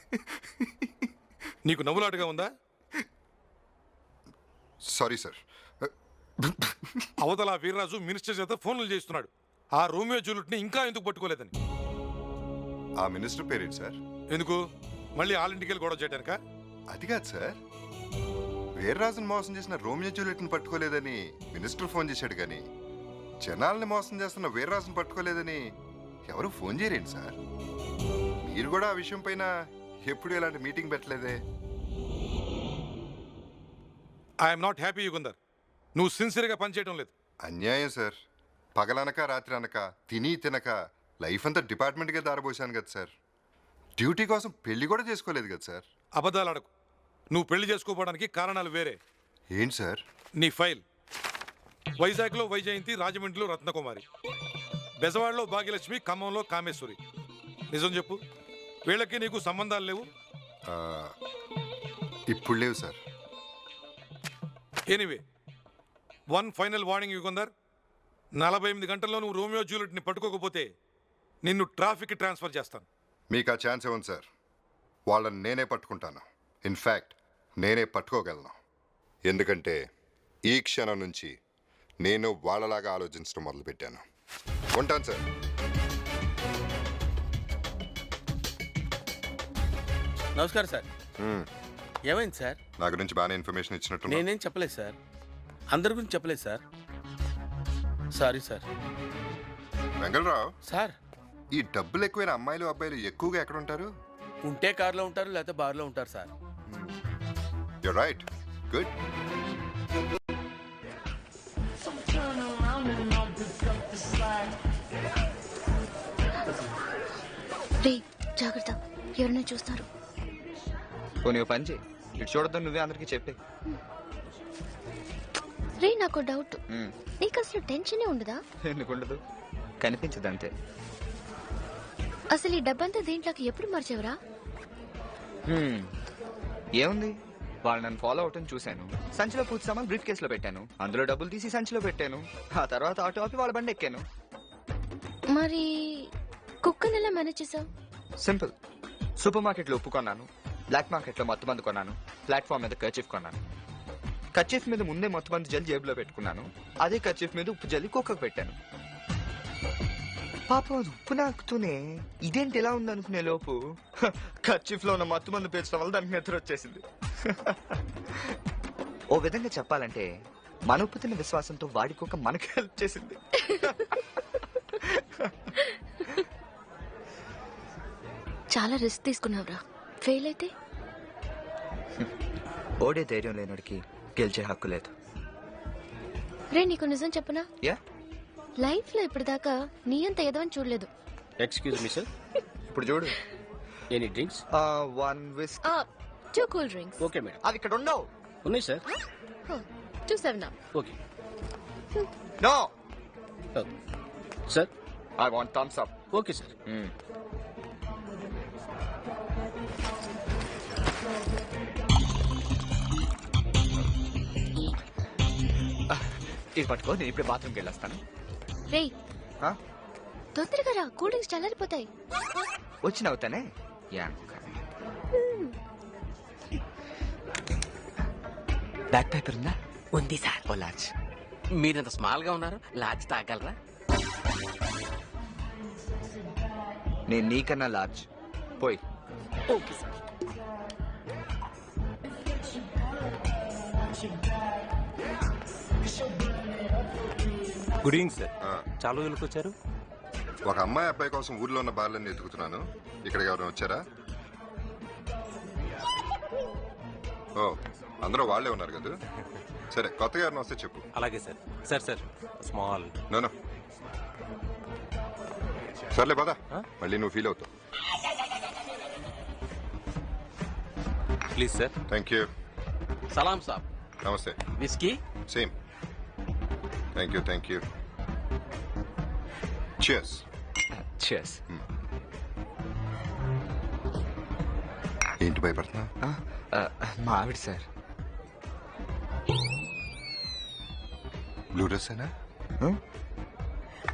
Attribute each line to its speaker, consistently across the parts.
Speaker 1: నీకు నవ్వులాటగా ఉందా?
Speaker 2: Sorry sir.
Speaker 1: అవతల వీర్రాజు మినిస్టర్ చేత ఫోన్లు చేస్తున్నాడు ఆ రోమియో జూలియట్ని ఇంకా ఎందుకు పట్టుకోలేదని.
Speaker 2: ఆ మినిస్టర్ పేరేంటి సార్?
Speaker 1: ఎందుకు మళ్ళీ ఆలింటికి వెళ్ళి గొడవ చేయడానికా?
Speaker 2: అది కాదు సార్, వీర్రాజుని మోసం చేసిన రోమియో జూలియట్ని పట్టుకోలేదని మినిస్టర్ ఫోన్ చేశాడు కానీ జనాల్ని మోసం చేస్తున్న వీర్రాజుని పట్టుకోలేదని ఎవరు ఫోన్ చేయరేంటి సార్? మీరు కూడా ఆ విషయం పైన ఎప్పుడు ఇలాంటి మీటింగ్ పెట్టలేదే.
Speaker 1: I'm not happy Yugandhar. నువ్వు సిన్సియర్గా పనిచేయడం లేదు.
Speaker 2: అన్యాయం సార్. పగలనక రాత్రి అనక తిని తినక లైఫ్ అంతా డిపార్ట్మెంట్గా దారబోసాను కదా సార్. డ్యూటీ కోసం పెళ్లి కూడా చేసుకోలేదు కదా సార్.
Speaker 1: అబద్ధాలు అడకు. నువ్వు పెళ్లి చేసుకోవడానికి కారణాలు వేరే.
Speaker 2: ఏంటి సార్?
Speaker 1: నీ ఫైల్. వైజాగ్లో వైజయంతి, రాజమండ్రిలో రత్నకుమారి, బెజవాడలో భాగ్యలక్ష్మి, ఖమ్మంలో కామేశ్వరి. నిజం చెప్పు, వీళ్ళకి నీకు సంబంధాలు లేవు?
Speaker 2: ఆ, ఇప్పుడు లేవు sir.
Speaker 1: Anyway, one final warning Yugandhar. 48 గంటల్లో నువ్వు రోమియో జూలియట్ని పట్టుకోకపోతే నిన్ను ట్రాఫిక్కి ట్రాన్స్ఫర్ చేస్తాను.
Speaker 2: మీకు ఆ ఛాన్స్ ఇవ్వండి సార్. వాళ్ళని నేనే పట్టుకుంటాను. ఇన్ఫ్యాక్ట్ నేనే పట్టుకోగలను. ఎందుకంటే ఈ క్షణం నుంచి నేను వాళ్ళలాగా ఆలోచించడం మొదలుపెట్టాను. ఉంటాను సార్.
Speaker 3: నమస్కారం సార్. ఏమైంది సార్?
Speaker 2: నా గురించి బాగానే ఇన్ఫర్మేషన్ ఇచ్చినట్టు.
Speaker 3: నేనేం చెప్పలేదు సార్. అందరి గురించి చెప్పలేదు sir. Sorry sir.
Speaker 2: Vengalarao
Speaker 3: sir,
Speaker 2: ఈ డబ్బులు ఎక్కువైన అమ్మాయిలు అబ్బాయిలు ఎక్కువగా ఎక్కడ ఉంటారు?
Speaker 3: ఉంటే కార్లో ఉంటారు, లేకపోతే బార్లో ఉంటారు సార్.
Speaker 2: You right. గుడ్.
Speaker 4: రే జాగ్రత్త, ఎవరైనా చూస్తారు.
Speaker 5: పోనీ పని చేయి, ఇటు చూడద్దు, నువ్వే అందరికి చెప్పే.
Speaker 4: రే నాకు డౌట్, నీకు అసలు టెన్షనే ఉండదా?
Speaker 5: ఎందుకుండదు, కనిపించదు అంతే.
Speaker 4: అసలు ఈ డబ్బంతా దీంట్లోకి ఎప్పుడు మార్చేవరా?
Speaker 5: ఏముంది, వాళ్ళు నన్ను ఫాలో అవటం చూశాను. సంచిలో పూర్తి సామాన్ బ్రీఫ్ కేసులో పెట్టాను, అందులో డబ్బులు తీసి సంచిలో పెట్టాను. ఆ తర్వాత ఆటో ఆపి వాళ్ళ బండి ఎక్కాను.
Speaker 4: మరి కుక్కని ఎలా మేనేజ్ చేసావు?
Speaker 5: సింపుల్. సూపర్ మార్కెట్లో ఉప్పు కొన్నాను, బ్లాక్ మార్కెట్లో మత్తు మందు కొన్నాను, ప్లాట్ఫామ్ మీద కర్చీఫ్ కొన్నాను. కర్చీఫ్ మీద ముందే మత్తు మందు జల్లి జేబులో పెట్టుకున్నాను. అదే కర్చీఫ్ మీద ఉప్పు జల్లి కుక్కకు పెట్టాను. పాపం అది ఉప్పు నాకుతూనే ఇదేంటి ఎలా ఉంది అనుకునే లోపు కర్చీఫ్ లో ఉన్న మత్తు మందు పేర్చడం వల్ల దానికి నిద్ర వచ్చేసింది. ఓ విధంగా చెప్పాలంటే మన ఉప్పు తిన్న విశ్వాసంతో వాడి కుక్క మనకి హెల్ప్ చేసింది.
Speaker 4: చాలా రిస్క్ తీసుకున్నావురా. ఫెయిల్ అయితే
Speaker 5: ఓడే ధైర్యం లేనోడికి గెలిచే హక్కు లేదు.
Speaker 4: రే నీకు నిజం చెప్పనా,
Speaker 5: యా,
Speaker 4: లైఫ్ లో ఇప్పటిదాకా నీ అంత ఎదవని చూడలేదు.
Speaker 3: Excuse me sir.
Speaker 5: ఇప్పుడు చూడు.
Speaker 3: Any drinks?
Speaker 5: 1 whiskey.
Speaker 4: 2 cool drinks.
Speaker 3: Okay madam.
Speaker 5: అవి ఇక్కడ ఉండవు.
Speaker 3: ఉన్నాయి sir.
Speaker 4: 2 7-Up.
Speaker 3: Okay
Speaker 5: no,
Speaker 3: sir.
Speaker 5: I want Thums Up.
Speaker 3: Okay sir.
Speaker 5: ఇది పట్టుకో, నేను ఇప్పుడు బాత్రూమ్కి వెళ్ళొస్తాను.
Speaker 4: రే తొందరగా రా, కూల్ డ్రింక్స్ చల్లారిపోతాయి.
Speaker 5: వచ్చి నవ్వుతానే. బ్యాక్ పేపర్ ఉందా?
Speaker 6: ఉంది సార్.
Speaker 5: ఓ లార్జ్.
Speaker 6: మీరింత స్మాల్ గా ఉన్నారు, లార్జ్ తాగలరా?
Speaker 5: నేను నీకన్నా లార్జ్. పోయి.
Speaker 6: Okay sir.
Speaker 7: Good evening sir. చాలా రోజులకు వచ్చారు.
Speaker 2: ఒక అమ్మాయి అబ్బాయి కోసం ఊర్లో ఉన్న బార్లన్నీ ఎత్తుకుతున్నాను. ఇక్కడికి ఎవరైనా వచ్చారా? ఓ, అందరూ వాళ్ళే ఉన్నారు కదా. సరే, కొత్తగా ఎవరైనా వస్తే చెప్పు.
Speaker 7: అలాగే sir. Sir sir small.
Speaker 2: No సర్లే పదా, మళ్ళీ నువ్వు ఫీల్ అవుతావు.
Speaker 7: Please sir.
Speaker 2: Thank you.
Speaker 6: సలాం సాబ్.
Speaker 2: నమస్తే.
Speaker 6: Whiskey?
Speaker 2: Same. Thank you. Cheers.
Speaker 5: Cheers.
Speaker 2: ఏంటి భయపడుతున్నా?
Speaker 5: మా ఆవిడ సార్.
Speaker 2: బ్లూ డ్రెస్ అయినా?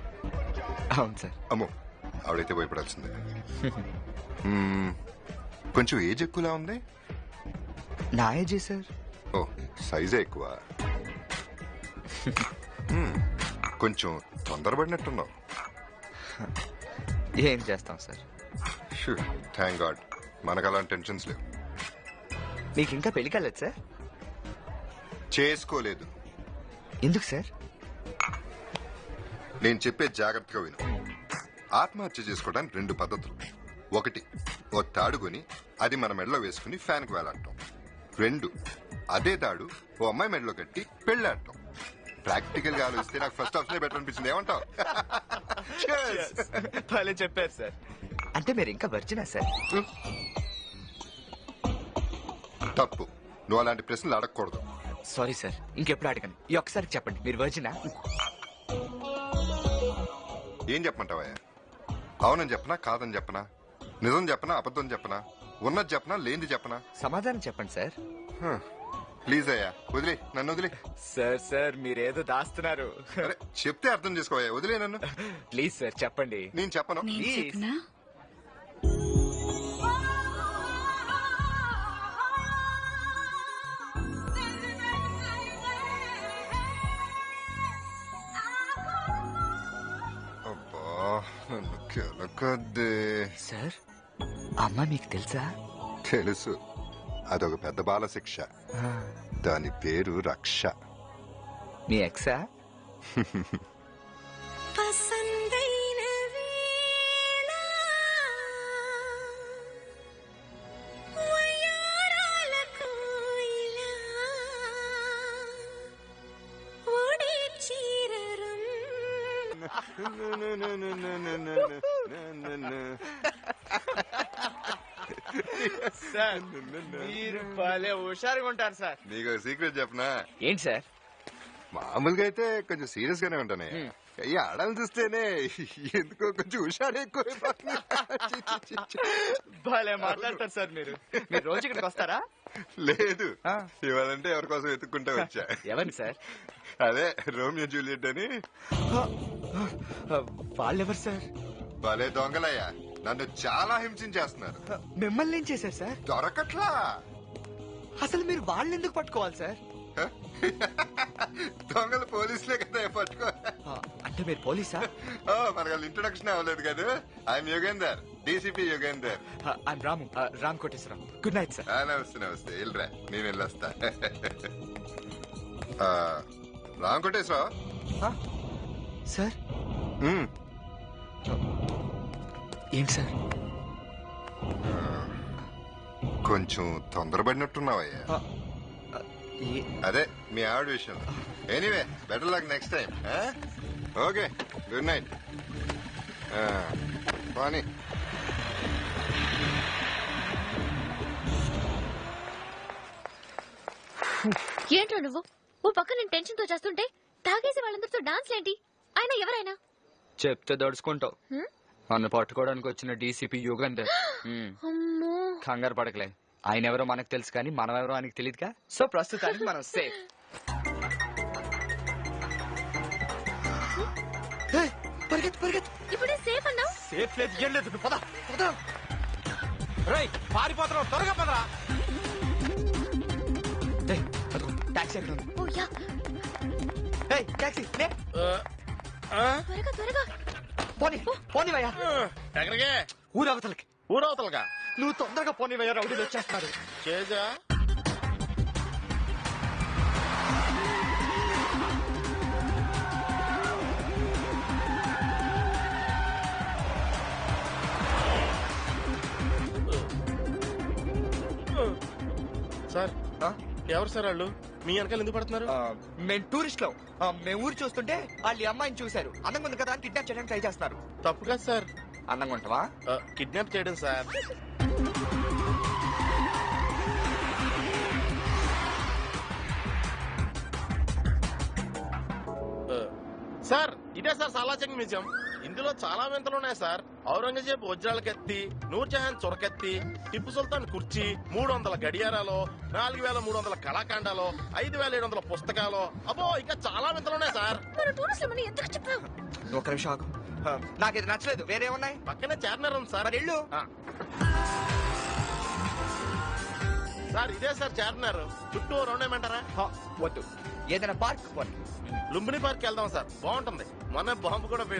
Speaker 5: అవును సార్.
Speaker 2: అమ్మో, ఆవిడైతే భయపడాల్సిందే. కొంచెం ఏజ్ ఎక్కువలా ఉంది.
Speaker 5: నా ఏజే సార్.
Speaker 2: ఓ, సైజే ఎక్కువ. కొంచెం తొందరపడినట్టున్నావు.
Speaker 5: ఏం చేస్తాం సార్.
Speaker 2: థ్యాంక్ గాడ్ మనకు అలాంటి టెన్షన్స్ లేవు.
Speaker 5: మీకు ఇంకా పెళ్లి కాలేదు సార్?
Speaker 2: చేసుకోలేదు.
Speaker 5: ఎందుకు సార్?
Speaker 2: నేను చెప్పే జాగ్రత్తగా విను. ఆత్మహత్య చేసుకోవడానికి 2 పద్ధతులు. 1, ఓ తాడు కొని అది మన మెడలో వేసుకుని ఫ్యాన్కి వేలాడటం. 2, అదే తాడు ఓ అమ్మాయి మెడలో కట్టి పెళ్ళాడటం. ప్రాక్టికల్ గా ఆలోచిస్తే నాకు ఫస్ట్ ఆప్షన్ బెటర్ అనిపించింది. ఏమంటావు?
Speaker 5: భలే చెప్పారు సార్. అంటే మీరు ఇంకా వర్జినా సార్?
Speaker 2: తప్పు. నువ్వు అలాంటి ప్రశ్నలు అడగకూడదు.
Speaker 5: సారీ సార్, ఇంకెప్పుడు అడగను. ఈ ఒక్కసారి చెప్పండి, మీరు వర్జినా?
Speaker 2: ఏం చెప్పమంటావా? అవునని చెప్పనా, కాదని చెప్పనా, నిజం చెప్పనా, అబద్ధం చెప్పనా, ఉన్నది చెప్పనా, లేనిది చెప్పనా?
Speaker 5: సమాధానం చెప్పండి సార్.
Speaker 2: ప్లీజ్ అయ్యా, వదిలే, నన్ను వదిలే.
Speaker 5: సార్ సార్ మీరేదో దాస్తున్నారు.
Speaker 2: అరే చెప్తే అర్థం చేసుకోవయ్యా, వదిలే నన్ను.
Speaker 5: ప్లీజ్ సార్ చెప్పండి.
Speaker 2: నేను చెప్పను.
Speaker 4: నేను చెప్పనా?
Speaker 2: అబ్బా నన్ను కెలకద్దే.
Speaker 5: సార్, అమ్మ మీకు తెలుసా?
Speaker 2: తెలుసు, అదొక పెద్ద బాల శిక్ష. దాని పేరు రక్ష.
Speaker 5: మీ ఎక్సా? సార్ మీరు భలే హుషారుగా ఉంటారు సార్.
Speaker 2: నీకు సీక్రెట్ చెప్పనా?
Speaker 5: ఏంటి సార్?
Speaker 2: మామూలుగా అయితే కొంచెం సీరియస్ గానే ఉంటానే. ఈ ఆడలు చూస్తేనే ఎందుకో కొంచెం హుషారు ఎక్కువ.
Speaker 5: భలే మాట్లాడతారు సార్ మీరు. మీరు రోజు ఇక్కడికి వస్తారా?
Speaker 2: లేదు, ఇవాళంటే ఎవరి కోసం వెతుక్కుంటా వచ్చా.
Speaker 5: ఎవరిని సార్?
Speaker 2: అదే రోమియో జూలియట్ అని.
Speaker 5: వాళ్ళెవరు సార్?
Speaker 2: భలే దొంగలయ్యా, నన్ను చాలా హింసించేస్తున్నారు.
Speaker 5: మిమ్మల్ని ఏం చేశారు సార్?
Speaker 2: దొరకట్లా.
Speaker 5: అసలు మీరు వాళ్ళని ఎందుకు పట్టుకోవాలి సార్?
Speaker 2: దొంగలు పోలీసులే కదా పట్టుకో.
Speaker 5: అంటే మీరు పోలీసా?
Speaker 2: మనకు ఇంట్రొడక్షన్ అవ్వలేదు కదా. I'm Yogender, DCP Yogender.
Speaker 5: I'm Ramu, Ram Koteswararao. Good night sir.
Speaker 2: నమస్తే నమస్తే. వెళ్ళరా, నేను వెళ్ళొస్తా. రామ్ కోటేశ్వరరావు
Speaker 5: సార్. ఏంటి సార్?
Speaker 2: కొంచెం తొందరపడినట్టున్నావయ్యా. అదే మీ ఆవిడ విషయం. Anyway, better luck next time. Okay, good night. పోనీ.
Speaker 4: ఏంట్రా నువ్వు? ఓ పక్క నేను టెన్షన్ తో చేస్తుంటే తాగేసి వాళ్ళందరితో డాన్స్ ఏంటి? ఆయన ఎవరైనా
Speaker 5: చెప్తే దడుచుకుంటావు. నన్ను పట్టుకోవడానికి వచ్చిన డీసీపీ యుగంధర్.
Speaker 4: అమ్మో,
Speaker 5: కంగారు పడకలే. ఆయన ఎవరో మనకు తెలుసు కానీ మనం ఎవరో ఆయనకి తెలియదుగా. సో ప్రస్తుతానికి మనం సేఫ్. పరిగెత్తు పరిగెత్తు.
Speaker 4: ఇప్పుడే సేఫ్ అన్నావు.
Speaker 5: సేఫ్ లేదు, ఏం లేదు. పద పద.
Speaker 3: రేయ్ పారిపోతున్నావు, త్వరగా పదరా.
Speaker 5: టాక్సీ ఎక్కడ ఉంది?
Speaker 4: ఓ యా,
Speaker 5: టాక్సీ
Speaker 4: త్వరగా త్వరగా.
Speaker 5: పోనీ పోనీవయ్యా.
Speaker 6: ఎక్కడికే?
Speaker 5: ఊరవతలకి.
Speaker 6: ఊరవతలుగా?
Speaker 5: నువ్వు తొందరగా పోనీవయ్యా, రౌడీలు వచ్చేస్తున్నారు.
Speaker 6: చేజా సార్. ఎవరు సార్ వాళ్ళు? మీ వెనకాల ఎందుకు పడుతున్నారు?
Speaker 5: మేము టూరిస్ట్ లో మేము ఊరు చూస్తుంటే వాళ్ళు ఈ అమ్మాయిని చూశారు. అందంగా ఉంది కదా అని కిడ్నాప్ చేయడానికి ట్రై చేస్తున్నారు.
Speaker 6: తప్పు కాదు సార్.
Speaker 5: అందంగా ఉంటావా?
Speaker 6: కిడ్నాప్ చేయడం సార్. సార్ ఇదే సార్ సాలాచంగ్ మ్యూజియం. ఇందులో చాలా వింతలు ఉన్నాయి సార్. ఔరంగజేబు వజ్రాల కత్తి, నూర్జహాన్ చొరకత్తి, టిప్పు సుల్తాన్ కుర్చీ, 300 గడియారాలు, 4300 కళాఖండాలు, 5700 పుస్తకాలు. అబ్బో ఇంకా చాలా వింతలు ఉన్నాయి సార్.
Speaker 4: మన టూరిస్టులు మనం ఎందుకు చెప్పావు?
Speaker 5: ఒక నిమిషం ఆగు. నాకు ఇది నచ్చలేదు. వేరే ఉన్నాయి.
Speaker 6: పక్కనే చార్మినార్ ఉంది సార్.
Speaker 5: మరి ఇల్లు
Speaker 6: సార్ ఇదే సార్ చార్మినార్ చుట్టూ రౌండ్ ఏమంటారా
Speaker 5: వద్దు, ఏదైనా పార్క్ పోనీ.
Speaker 6: లుంబిని పార్క్ వెళ్దాం సార్, బాగుంటుంది. మొన్న బాంబు కూడా